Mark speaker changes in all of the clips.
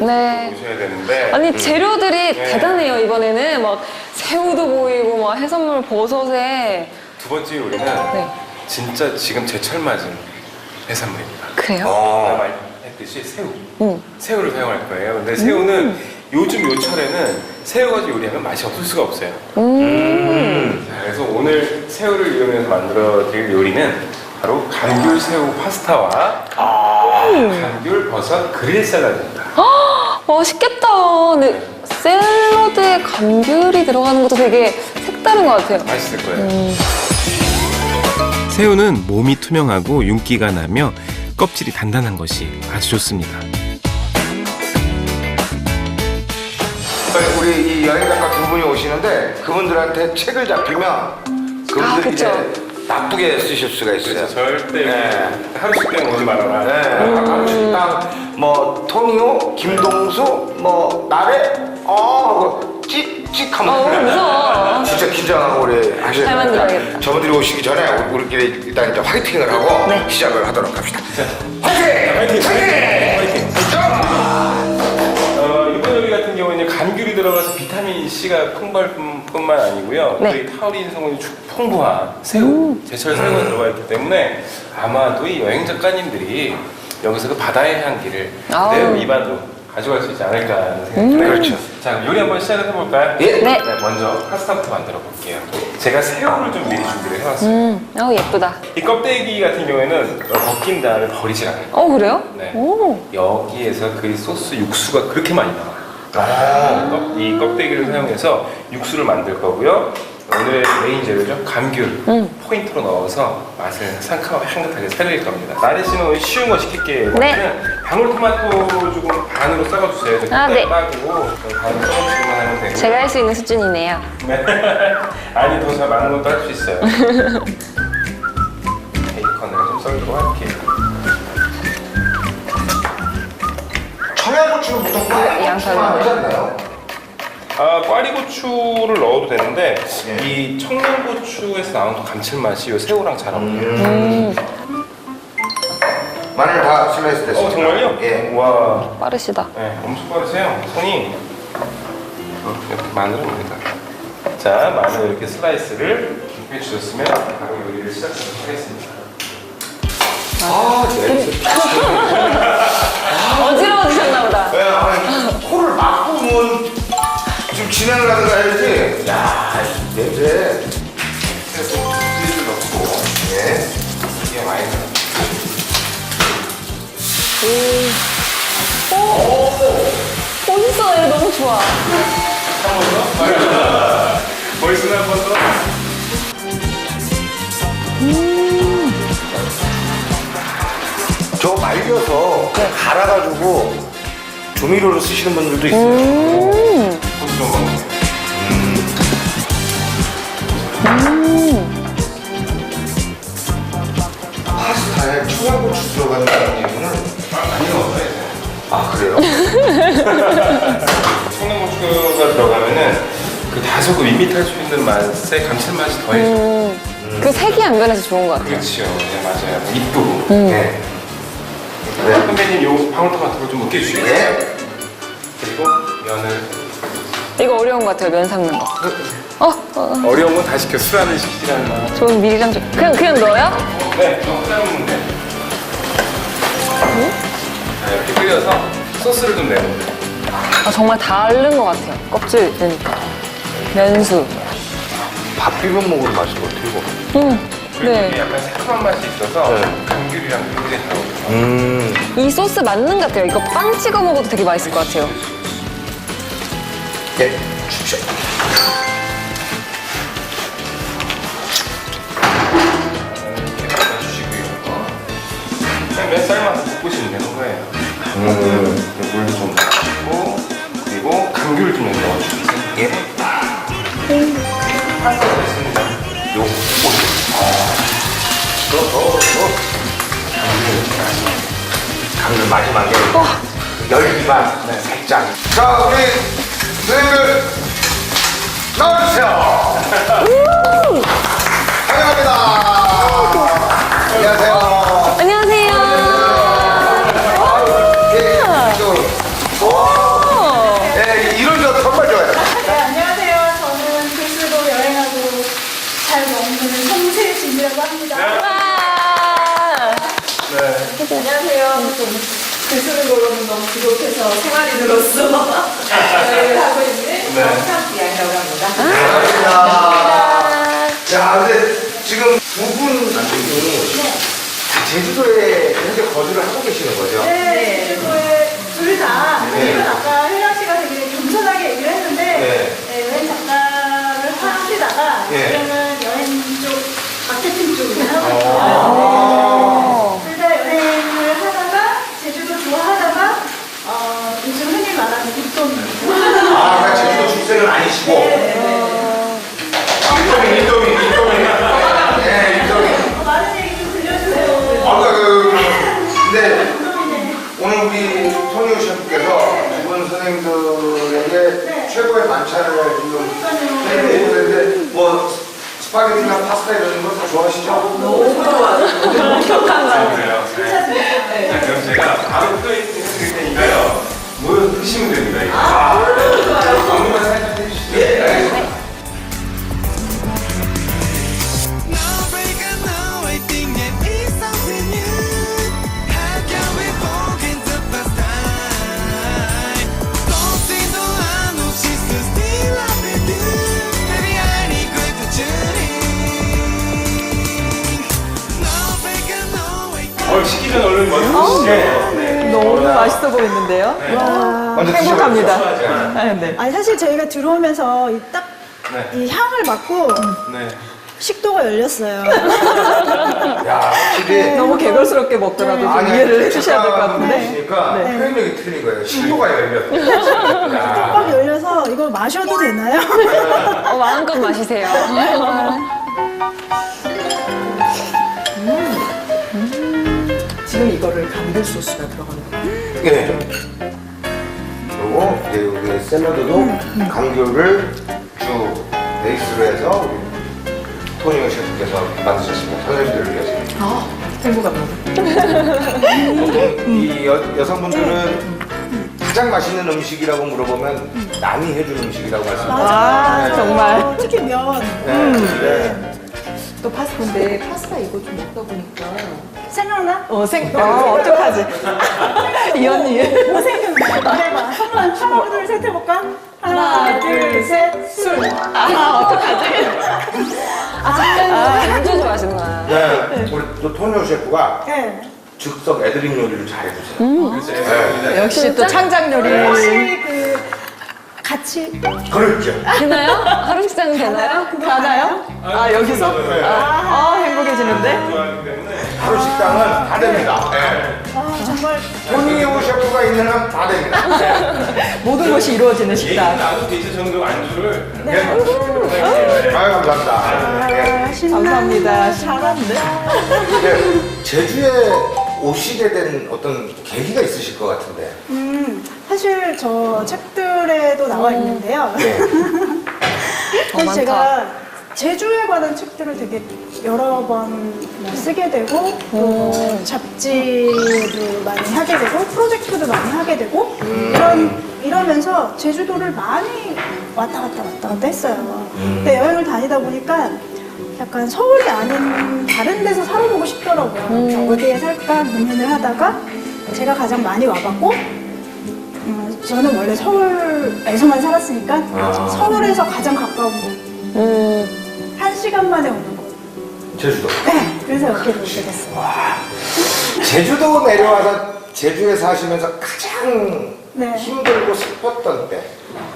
Speaker 1: 네.
Speaker 2: 보셔야 되는데.
Speaker 1: 아니 재료들이
Speaker 2: 네.
Speaker 1: 대단해요. 이번에는 막 새우도 보이고 막 해산물 버섯에.
Speaker 2: 두 번째 요리는
Speaker 1: 네.
Speaker 2: 진짜 지금 제철 맞은 해산물입니다.
Speaker 1: 그래요?
Speaker 2: 아까 말했듯이 새우. 새우를 사용할 거예요. 근데 새우는 요즘 요 철에는 새우 가지고 요리하면 맛이 없을 수가 없어요. 자, 그래서 오늘 새우를 이용해서 만들어 드릴 요리는 바로 감귤 새우 파스타와 감귤 버섯 그릴 샐러드입니다.
Speaker 1: 맛있겠다. 근데 샐러드에 감귤이 들어가는 것도 되게 색다른 것 같아요.
Speaker 2: 맛있을 거예요. 새우는 몸이 투명하고 윤기가 나며 껍질이 단단한 것이 아주 좋습니다.
Speaker 3: 우리 이 여행 작가 두 분이 오시는데 그분들한테 책을 잡히면 그분들이
Speaker 1: 그쵸.
Speaker 3: 이제 나쁘게 쓰실 수가 있어요.
Speaker 2: 그래서 절대
Speaker 3: 네.
Speaker 2: 하루씩 땡 오지 말아라.
Speaker 3: 식당 뭐 토니오, 김동수, 뭐 나래, 하고 찍찍하면
Speaker 1: 무서워.
Speaker 3: 진짜 긴장하고 우리 하셔야
Speaker 1: 잘
Speaker 3: 됩니다.
Speaker 1: 만들어야겠다.
Speaker 3: 저분들이 오시기 전에 우리끼리 일단 이제 화이팅을 하고
Speaker 1: 네.
Speaker 3: 시작을 하도록 합시다. 화이팅! 화이팅!
Speaker 2: 이번 요리 같은 경우에는 감귤이 들어가서 비타민 C가 풍부할 뿐만 아니고요.
Speaker 1: 네.
Speaker 2: 저희 타우린 성분이 풍부한 새우, 제철 새우가 들어가 있기 때문에 아마도 이 여행 작가님들이 여기서 그 바다의 향기를 그대로 입안으로 가져갈 수 있지 않을까 하는 생각이 들어요.
Speaker 3: 그렇죠.
Speaker 2: 자, 그럼 요리 한번 시작을 해볼까요?
Speaker 3: 예.
Speaker 1: 네.
Speaker 2: 먼저 파스타부터 만들어 볼게요. 제가 새우를 좀 미리 준비를 해왔어요.
Speaker 1: 예쁘다.
Speaker 2: 이 껍데기 같은 경우에는 벗긴 다음에 버리지 않아요.
Speaker 1: 그래요?
Speaker 2: 네.
Speaker 1: 오.
Speaker 2: 여기에서 그 소스 육수가 그렇게 많이 나와요. 이 껍데기를 사용해서 육수를 만들 거고요. 오늘의 메인 재료죠. 감귤 포인트로 넣어서 맛을 상큼하고 향긋하게 살릴 겁니다. 나래 씨는 오늘 쉬운 거 시킬게요.
Speaker 1: 네.
Speaker 2: 방울토마토 조금 반으로 썰어주세요.
Speaker 1: 네.
Speaker 2: 따고 반으로 썰어주기만 하면 되고.
Speaker 1: 제가 할 수 있는 수준이네요.
Speaker 2: 네. 아니 더 잘 많은 것도 할 수 있어요. 베이컨을 좀 썰도록 할게요.
Speaker 3: 청양고추는 보통
Speaker 1: 양파를
Speaker 3: 하지 않나요?
Speaker 2: 꽈리고추를 넣어도 되는데
Speaker 3: 예.
Speaker 2: 이 청양고추에서 나오는 감칠맛이 이 새우랑 잘 어울려요.
Speaker 3: 마늘 다 슬라이스 됐습니다.
Speaker 2: 정말요?
Speaker 3: 예.
Speaker 2: 와,
Speaker 1: 빠르시다.
Speaker 2: 네, 엄청 빠르세요. 손이. 이렇게 마늘은 여기다. 자, 마늘 이렇게 슬라이스를 해주셨으면 바로 요리를 시작하도록 하겠습니다.
Speaker 1: 어지러워지셨나 보다.
Speaker 3: 네, 아니, 코를 막고 좀 진행을 하든가 해야지. 야, 이 냄새.
Speaker 2: 그래서 치즈를 넣고
Speaker 3: 예.
Speaker 2: 이게 많이 들어.
Speaker 1: 멋있어. 이거 너무 좋아.
Speaker 2: 한 번 더? 벌써 한 번 더?
Speaker 3: 저 말려서 갈아가지고 조미료로 쓰시는 분들도 있어요.
Speaker 2: 고추 좀 넣어주세요.
Speaker 3: 파스타에 청양고추 들어가는 이유는
Speaker 2: 많이 넣어줘야 돼.
Speaker 3: 아 그래요?
Speaker 2: 청양고추가 들어가면은 그 다소 그 밋밋할 수 있는 맛의 감칠맛이 더해져요.
Speaker 1: 그 색이 안 변해서 좋은 것 같아요.
Speaker 2: 그렇죠. 네, 맞아요. 입도.
Speaker 3: 네.
Speaker 2: 선배님 요 방울토마토를 좀 으깨 주시겠어요?
Speaker 3: 예.
Speaker 2: 그리고 면을
Speaker 1: 이거 어려운 것 같아요. 면 삶는 거.
Speaker 2: 어려운 건 다 시켜. 술안을 시키라는 말.
Speaker 1: 저는 미리랑 좀. 그냥 넣어요?
Speaker 2: 네, 너무 삶으면 돼. 자, 이렇게 끓여서 소스를 좀 내면 돼.
Speaker 1: 정말 다른 것 같아요. 껍질 넣으니까. 면수.
Speaker 3: 밥 비벼 먹으면 맛있을 것 같아요. 이거.
Speaker 2: 그리고
Speaker 1: 네.
Speaker 2: 이게 약간 새콤한 맛이 있어서
Speaker 3: 네.
Speaker 2: 감귤이랑 굉장히 잘 어울려요.
Speaker 1: 이 소스 맞는 것 같아요. 이거 빵 찍어 먹어도 되게 맛있을 것 같아요.
Speaker 3: 예. 주십시오.
Speaker 2: 이렇게 볶아주시고요. 그냥 몇 살만 볶으시면 되는 거예요. 물도 좀 넣어주고 그리고 감귤 좀 넣어주세요.
Speaker 3: 예.
Speaker 2: 파스타 됐습니다. 요거
Speaker 3: 강릉 마지막에 열기만 살짝. 자 우리 선생님들 나와주세요. 환영합니다. 안녕하세요.
Speaker 1: 안녕하세요.
Speaker 3: 예, 이쪽으로.
Speaker 4: 이은이라고 합니다.
Speaker 1: 와.
Speaker 2: 네.
Speaker 4: 안녕하세요. 글 쓰는 거로는 너무 부족해서 생활인으로서 저희를 하고 있는 정상비양이라고 합니다.
Speaker 3: 반갑습니다. 자, 근데 지금 두 분 남편분이 다 제주도에 현재 거주를 하고 계시는 거죠?
Speaker 4: 네, 제주도에 둘 다,
Speaker 3: 네.
Speaker 4: 지금 아까 혜랑 씨가 되게 겸손하게 얘기를 했는데,
Speaker 3: 네.
Speaker 4: 여행 작가를 하시다가,
Speaker 3: 네.
Speaker 4: 지금은 여행 쪽, 마케팅 쪽을 하고
Speaker 3: 아.
Speaker 4: 있어요. 둘 다 여행을 하다가, 제주도 좋아하다가, 요즘 흔히 말하는 입돈.
Speaker 3: 아, 그러니까 제주도 출생은 아니시고. 인도민. 네, 인도민.
Speaker 4: 많은 얘기 좀 들려주세요.
Speaker 3: 근데 오늘 우리 토니오 셰프께서 두 분 선생님들에게 최고의 만찬을 지금 해드리는데 뭐 스파게티나 파스타 이런 거 다 좋아하시죠?
Speaker 2: 그래요. 네. 자, 그럼 제가 바로 플레이팅 해드릴 테니까요. 모여서 드시면 됩니다. 이거. 안무만 살짝 해주시죠. 네. 시기 전에 얼른 먼저 드시죠.
Speaker 5: 너무 맛있어 보이는데요?
Speaker 3: 먼저
Speaker 5: 행복합니다.
Speaker 3: 드셔보세요.
Speaker 5: 네.
Speaker 4: 아니 사실 저희가 들어오면서 딱 이
Speaker 2: 네.
Speaker 4: 향을 맡고
Speaker 2: 네.
Speaker 4: 식도가 열렸어요.
Speaker 3: 야, 확실히
Speaker 5: 너무 개걸스럽게 먹더라도 좀
Speaker 3: 아니,
Speaker 5: 이해를 해주셔야 될 것 같은데.
Speaker 3: 보시니까
Speaker 5: 네.
Speaker 3: 표현력이 틀린 거예요. 식도가 열렸어요.
Speaker 4: 딱 열려서 이거 마셔도 되나요?
Speaker 1: 마음껏 마시세요.
Speaker 5: 지금 이거를 감귤 소스가 들어가는 거예요.
Speaker 3: 네. 그리고 이제 우리 샐러드도 감귤을 주 베이스로 해서 우리 토니오 셰프께서 만드셨습니다. 선생님들을 위해서.
Speaker 5: 행복합니다.
Speaker 3: 보통 이 여성분들은 가장 맛있는 음식이라고 물어보면 남이 해준 음식이라고 말씀하세요.
Speaker 5: 아, 정말.
Speaker 4: 특히 면.
Speaker 3: 네.
Speaker 5: 또 파스타인데 파스타 이거 좀 먹다 보니까
Speaker 4: 생각나?
Speaker 5: 어떡하지? 이 언니.
Speaker 4: 뭐 생각나? 말해봐. 하나, 둘, 셋 해볼까? 하나, 둘, 셋, 술.
Speaker 5: 어떡하지?
Speaker 1: 안주 좋아하시는구나.
Speaker 3: 네. 우리 또 토니오 셰프가
Speaker 4: 네.
Speaker 3: 즉석 애드립 요리를 잘해주세요.
Speaker 2: 그래서 네.
Speaker 5: 역시 또 창작 요리.
Speaker 4: 혹시 그 같이
Speaker 3: 그렇죠.
Speaker 1: 되나요? 하루 식사는 되나요?
Speaker 5: 가나요? 아, 여기서?
Speaker 3: 네.
Speaker 5: 행복해지는데?
Speaker 2: 좋아하기 때문에
Speaker 3: 하루 식당은 다 됩니다. 네.
Speaker 4: 정말
Speaker 3: 토니오 셰프가 있는 한 다 됩니다. 네.
Speaker 5: 모든 것이 이루어지는
Speaker 2: 얘기
Speaker 5: 식당.
Speaker 2: 나도 되실 정도 안주를
Speaker 3: 아유, 감사합니다. 네.
Speaker 5: 감사합니다. 잘하는데?
Speaker 3: 네. 제주에 오시게 된 어떤 계기가 있으실 것 같은데.
Speaker 4: 사실 저 책들에도 나와 있는데요.
Speaker 3: 네.
Speaker 4: 사실 제가 제주에 관한 책들을 되게 여러 번 쓰게 되고 또 잡지도 많이 하게 되고 프로젝트도 많이 하게 되고 이러면서 제주도를 많이 왔다 갔다 했어요. 근데 여행을 다니다 보니까 약간 서울이 아닌 다른 데서 살아보고 싶더라고요. 어디에 살까 고민을 하다가 제가 가장 많이 와봤고 저는 원래 서울에서만 살았으니까 서울에서 가장 가까운 곳 1시간 만에 오는 곳.
Speaker 3: 제주도.
Speaker 4: 네, 그래서 여기로 오게 됐어요.
Speaker 3: 제주도 내려와서 제주에 사시면서 가장
Speaker 4: 네.
Speaker 3: 힘들고 슬펐던 때.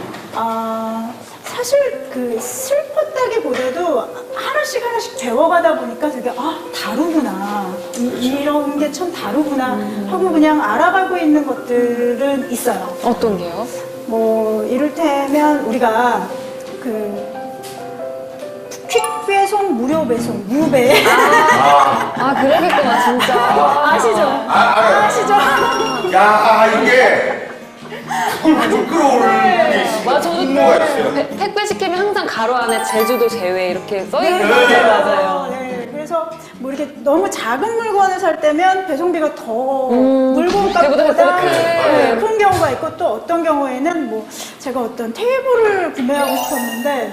Speaker 4: 사실 그 슬펐다기보다도 하나씩 배워가다 보니까 되게 다르구나. 이런 게 참 다르구나 하고 그냥 알아가고 있는 것들은 있어요.
Speaker 1: 어떤 게요?
Speaker 4: 뭐 이를테면 우리가 그 퀵 배송, 무료 배송, 무배
Speaker 1: 그러겠구나, 진짜.
Speaker 4: 아시죠?
Speaker 3: 알아요.
Speaker 4: 아시죠?
Speaker 3: 야, 이게 그걸 좀 끌어오르는 게 있어요.
Speaker 1: 맞아, 저도
Speaker 3: 분노가 있어요.
Speaker 1: 택배 시키면 항상 가로 안에 제주도 제외 이렇게 써있는 거
Speaker 3: 네,
Speaker 1: 맞아요.
Speaker 4: 네, 그래서 뭐 이렇게 너무 작은 물건을 살 때면 배송비가 더 물건값보다
Speaker 1: 그거보다 큰.
Speaker 4: 큰 경우가 있고 또 어떤 경우에는 뭐 제가 어떤 테이블을 구매하고 싶었는데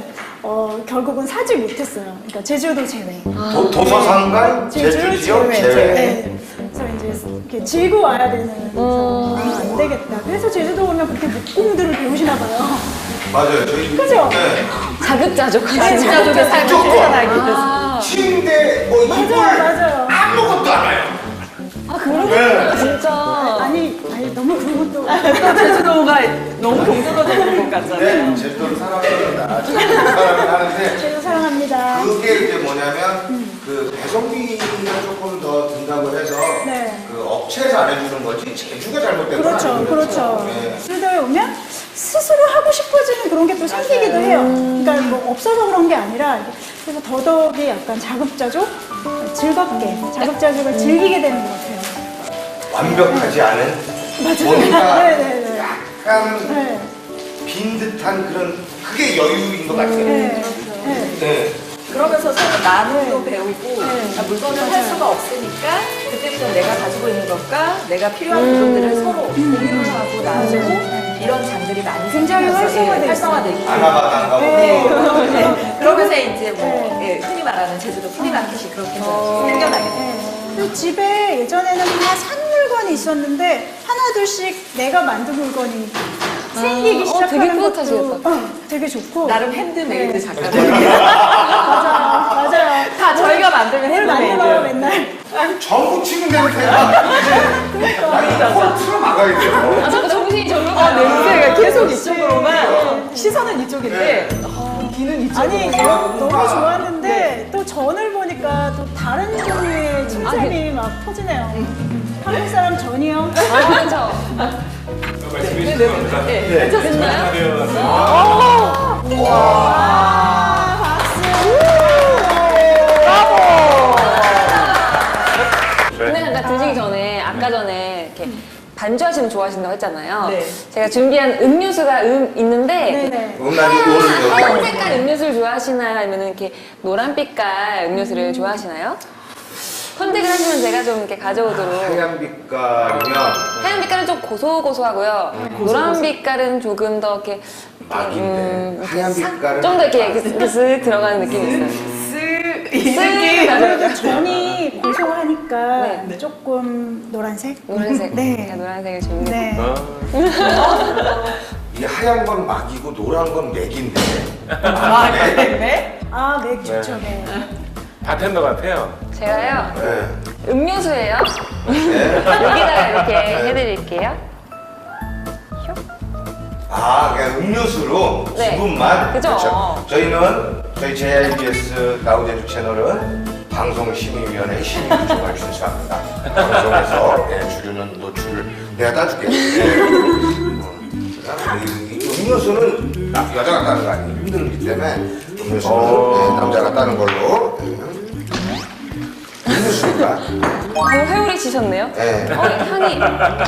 Speaker 4: 결국은 사지 못했어요. 그러니까 제주도 제외.
Speaker 3: 도서상관 제주 지역 제외.
Speaker 4: 네. 그래서 이제 이렇게 지고 와야 되는 안 되겠다. 그래서 제주도 오면 그렇게 목공들을 배우시나 봐요.
Speaker 3: 맞아요. 저희
Speaker 4: 그죠?
Speaker 3: 네.
Speaker 1: 자급자족
Speaker 4: 네,
Speaker 1: 하시는
Speaker 5: 자족의 삶을
Speaker 3: 무조건.
Speaker 5: 실천하기 위해서.
Speaker 3: 침대 뭐 이불
Speaker 4: 맞아요.
Speaker 3: 아무것도 안 와요.
Speaker 1: 아, 그런
Speaker 3: 네.
Speaker 1: 거 진짜.
Speaker 4: 아니 너무 그런 것도.
Speaker 5: 또 제주도가 너무 동떨어지는 것 같잖아요.
Speaker 3: 네, 제주도를 사랑합니다. 제주도를 사랑하는데
Speaker 4: 제주 사랑합니다.
Speaker 3: 그게 이제 뭐냐면 그 배송비가 조금 더 든다고 해서
Speaker 4: 네.
Speaker 3: 그 업체에서 안 해주는 거지 제주가 잘못된 건
Speaker 4: 그렇죠,
Speaker 3: 아니에요.
Speaker 4: 그렇죠.
Speaker 3: 네.
Speaker 4: 제주도에 오면 스스로 하고 싶어지는 그런 게 또 생기기도 해요. 그러니까 뭐 없어서 그런 게 아니라 그래서 더더욱이 약간 자급자족, 즐겁게 자급자족을 즐기게 되는 것 같아요.
Speaker 3: 완벽하지 않은
Speaker 4: 맞아요.
Speaker 3: 뭔가
Speaker 4: 네네네.
Speaker 3: 약간
Speaker 4: 네.
Speaker 3: 빈 듯한 그런 그게 여유인 것 같아요.
Speaker 4: 네. 네.
Speaker 3: 네.
Speaker 5: 그러면서 서로 나눔도 배우고
Speaker 4: 네.
Speaker 5: 물건을 할
Speaker 4: 맞아요.
Speaker 5: 수가 없으니까 그때부터 내가 가지고 있는 것과 내가 필요한 부분들을 서로 공유를 하고 나누고 이런 장들이 많이
Speaker 4: 굉장히
Speaker 5: 생기면서
Speaker 4: 활성화되고
Speaker 3: 아나바당 가고
Speaker 4: 네.
Speaker 5: 네. 그러면서 이제 뭐
Speaker 4: 네.
Speaker 5: 흔히 말하는 제주도 프리마켓이 그렇게 생겨나게 돼요.
Speaker 4: 네. 그리고 집에 예전에는 다 산 물건이 있었는데 하나둘씩 내가 만든 물건이 생기기 시작하는
Speaker 1: 되게
Speaker 4: 것도
Speaker 1: 뿌듯하시겠다.
Speaker 4: 되게 좋고
Speaker 5: 나름 핸드메이드
Speaker 4: 네.
Speaker 5: 작가들.
Speaker 4: 맞아요.
Speaker 5: 다 저희가 만들면
Speaker 4: 뭘 만들어요
Speaker 5: 핸드메이드.
Speaker 4: 맨날.
Speaker 3: 전부 치는 데는 대박. 아니 코를 틀어 막아야 돼요.
Speaker 1: 아, 자꾸 정신이 절로 가요.
Speaker 5: 냄새가 계속 이쪽으로만 시선은 이쪽인데 귀는 이쪽으로.
Speaker 4: 아니 너무 좋았는데 또 전을 보니까 또 다른 종류의 칭찬이 막 터지네요. 한국 사람 전이요.
Speaker 1: 아, 그렇죠.
Speaker 2: 말씀해 주신 겁니다.
Speaker 5: 네.
Speaker 1: 됐나요?
Speaker 4: 와 박수.
Speaker 1: 근데 잠깐 드시기 전에 아까 전에 이렇게 반주하시는 거 좋아하신다고 했잖아요.
Speaker 5: 네.
Speaker 1: 제가 준비한 음료수가 있는데
Speaker 4: 네네.
Speaker 3: 음란이 오는
Speaker 1: 흰
Speaker 3: 여기.
Speaker 1: 색깔 음료수를 좋아하시나요? 아니면 이렇게 노란빛깔 음료수를 좋아하시나요? 선택을 하시면 제가 좀 이렇게 가져오도록.
Speaker 3: 하얀 빛깔이면
Speaker 1: 하얀 빛깔은 좀 고소고소하고요. 노란 빛깔은 조금 더 이렇게
Speaker 3: 막인데 하얀 빛깔은
Speaker 1: 좀 더 이렇게 쓱 들어가는 느낌이 있어요. 쓱
Speaker 4: 아무래도 전이 고소하니까
Speaker 1: 네.
Speaker 4: 조금 노란색.
Speaker 1: 노란색.
Speaker 4: 네.
Speaker 1: 제가 노란색을 준비했어요.
Speaker 4: 네.
Speaker 3: 이 하얀 건 막이고 노란 건 맥인데.
Speaker 5: 아, 그랬네?
Speaker 4: 아 맥주죠. 네.
Speaker 2: 바텐더 같아요.
Speaker 1: 제가요
Speaker 3: 네.
Speaker 1: 음료수예요.
Speaker 3: 네.
Speaker 1: 여기다가 이렇게 해드릴게요.
Speaker 3: 아, 그냥 음료수로
Speaker 1: 네.
Speaker 3: 기분만.
Speaker 1: 그죠.
Speaker 3: 그렇죠. 저희는 저희 JIBS 나우제주 채널은 방송심의위원회 심의 부족을 준수합니다. 방송에서 주류는 노출을 내가 따줄게. 이 음료수는 여자가 따는 거 아니에요. 힘들기 때문에 음료수는 남자가 따는 걸로. 음료수니까.
Speaker 1: 회오리 치셨네요.
Speaker 3: 네.
Speaker 1: 향이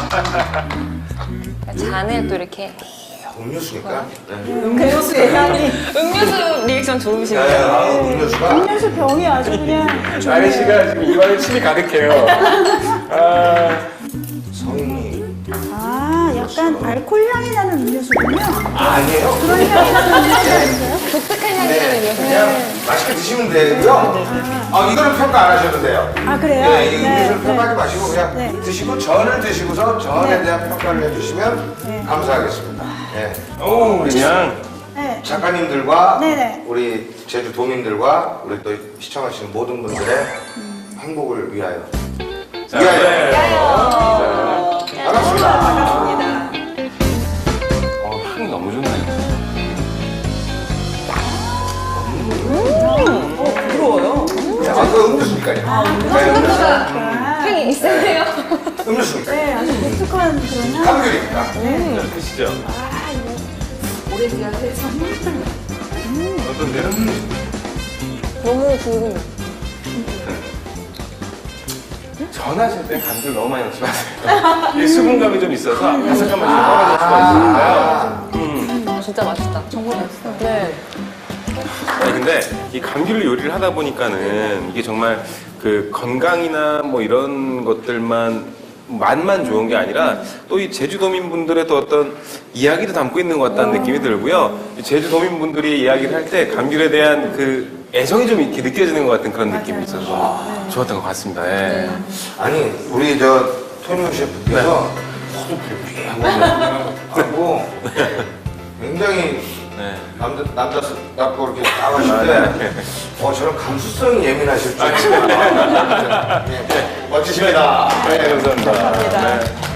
Speaker 1: 잔에 또 이렇게
Speaker 3: 음료수니까. 네.
Speaker 5: 음료수의 향이.
Speaker 1: 음료수 리액션
Speaker 3: 네,
Speaker 1: 좋으시네요.
Speaker 3: 아, 음료수가.
Speaker 4: 음료수 병이 아주 그냥
Speaker 2: 아니 씨가 지금 입안에 침이 가득해요. 아,
Speaker 3: 성인이.
Speaker 4: 아 약간 알코올 향이 나는 음료수군요.
Speaker 3: 아니에요.
Speaker 4: 그런 향이 나는 음료수 아닌가요?
Speaker 1: 독특한 향이 나는
Speaker 3: 네,
Speaker 1: 음료수.
Speaker 3: 그냥 맛있게 드시면 되고요. 이거는 평가 안 하셔도 돼요.
Speaker 4: 아 그래요?
Speaker 3: 네, 이 음료수를 평가하지 마시고 그냥
Speaker 4: 네.
Speaker 3: 드시고 전을 드시고서 전에
Speaker 4: 네.
Speaker 3: 대한 평가를 해주시면
Speaker 4: 네.
Speaker 3: 감사하겠습니다. 네.
Speaker 2: 오, 그냥
Speaker 4: 네.
Speaker 3: 작가님들과
Speaker 4: 네네.
Speaker 3: 우리 제주 도민들과 우리 또 시청하시는 모든 분들의 행복을 위하여.
Speaker 2: 자,
Speaker 3: 위하여.
Speaker 2: 네.
Speaker 3: 반갑습니다.
Speaker 5: 반갑습니다.
Speaker 2: 향이 너무 좋네요.
Speaker 5: 부러워요.
Speaker 3: 그 음료수니까요. 네, 음료수.
Speaker 1: 향이 있으세요?
Speaker 3: 음료수니까.
Speaker 4: 네, 아주 독특한 그런 향.
Speaker 3: 감귤입니다.
Speaker 2: 드시죠.
Speaker 5: 오렌지와 해서.
Speaker 2: 어떤데요?
Speaker 1: 너무 궁금해.
Speaker 2: 전하실 때 감귤 너무 많이 넣지 마세요. 이 수분감이 좀 있어서 바삭한 맛이 떨어질 수가 있으니까요.
Speaker 1: 진짜 맛있다. 정말 맛있어. 네.
Speaker 2: 아니 근데 이 감귤로 요리를 하다 보니까는 이게 정말 그 건강이나 뭐 이런 것들만 맛만 좋은 게 아니라 또 이 제주도민분들의 또 어떤 이야기도 담고 있는 것 같다는 느낌이 들고요. 이 제주도민분들이 이야기를 할 때 감귤에 대한 그 애정이 좀 이렇게 느껴지는 것 같은 그런 느낌이 있어서 좋았던 것 같습니다. 예.
Speaker 3: 아니 우리 저 토니오 셰프께서 저도 불쾌하고 굉장히
Speaker 2: 네.
Speaker 3: 남자답고 이렇게 나가시는데 저런 감수성이 예민하실 줄. 멋지십니다.
Speaker 2: 네, 감사합니다.
Speaker 5: 감사합니다.
Speaker 2: 네.